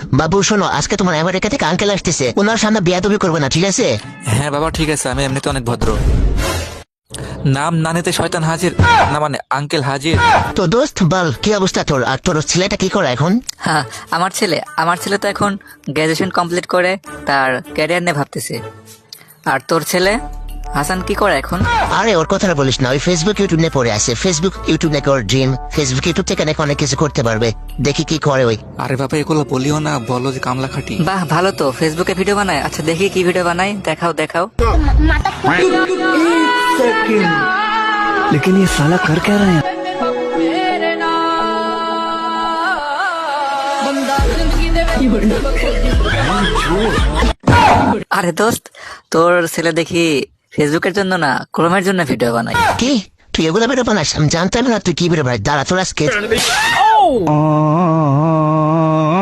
বাবু শোনো, আজকে তোমার আমেরিকা থেকে আঙ্কেল আসতেছে, ওনার সামনে বিয়াদবি করবে না, ঠিক আছে? হ্যাঁ বাবা ঠিক আছে, আমি এমনিতে অনেক ভদ্র। নাম না নিতে শয়তান হাজির, না মানে আঙ্কেল হাজির। তো দোস্ত বল, কি অবস্থা তোর? আর তোর ছেলেটা কি করে এখন? হ্যাঁ, আমার ছেলে তো এখন গ্রাজুয়েশন কমপ্লিট করে তার ক্যারিয়ার নিয়ে ভাবতেছে। আর তোর ছেলে হাসান কি করে এখন? আরে ওর কথাটা বলিস না, ওই ফেসবুক ইউটিউব নিয়ে পড়ে আছে। ফেসবুক ইউটিউব নাকি ওর ড্রিম। ফেসবুক ইউটিউব থেকে নাকি অনেক কিছু করতে পারবে, দেখি কি করে ওই। আরে বাবা এগুলো বলিও না, বলো যে কামলা খাটি। বাহ, ভালো তো, ফেসবুকে ভিডিও বানায়। আচ্ছা দেখি কি ভিডিও বানাই, দেখাও। लेकिन ये साला कर क्या रहे हैं? আরে দোস্ত, তোর ছেলে দেখি ফেসবুকের জন্য না, ক্রোমের জন্য ভিডিও বানাই। কি তুই এগুলো বেরো বানাস? আমি জানতাম না তুই কি বেরো ভাই। দাঁড়া তোর আজকে